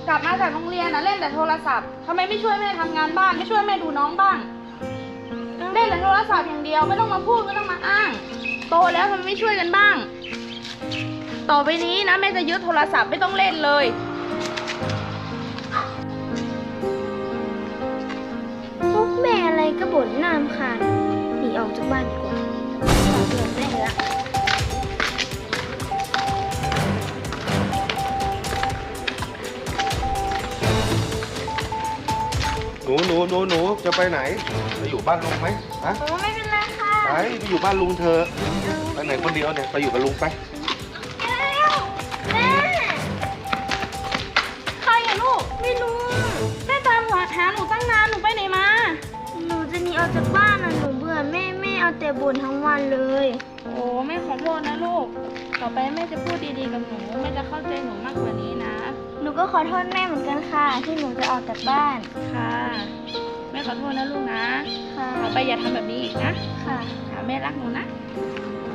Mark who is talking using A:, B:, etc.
A: กลับมาจากโรงเรียนนะเล่นแต่โทรศัพท์ทำไมไม่ช่วยแม่ทำงานบ้านไม่ช่วยแม่ดูน้องบ้างเล่นแต่โทรศัพท์อย่างเดียวไม่ต้องมาพูดไม่ต้องมาอ้างโตแล้วทำไมไม่ช่วยกันบ้างต่อไปนี้นะแม่จะยึดโทรศัพท์ไม่ต้องเล่นเลย
B: พวกแม่อะไรก็บ่นน่ารำคาญหนีออกจากบ้านดีกว่าเบื่อแม่ละ
C: หนูจะไปไหนไปอยู่บ้านลุงไหมฮะ
B: โอ้ไม่เป็นไรค่ะ
C: ไปอยู่บ้านลุงเธอไปไหนคนเดียวเนี่ยไปอยู่กับลุงไป
B: แม่
A: ใครอะลูกไม่รู้แม่ตามหาหนูตั้งนานหนูไปไหนมา
B: หนูจะหนีออกจากบ้านนะหนูเบื่อแม่เอาแต่บ่นทั้งวันเลย
A: โอ้แม่ขอโทษนะลูกต่อไปแม่จะพูดดีๆกับหนูแม่จะเข้าใจหนูมากกว่านี้นะ
B: หนูก็ขอโทษแม่เหมือนกันค่ะ ที่หนูจะออกจากบ้าน
A: ค่ะแม่ขอโทษนะลูกนะ
B: ค่ะ
A: ต่อไปอย่าทำแบบนี้อีกนะ
B: ค่ะ
A: แม่รักหนูนะ
B: ค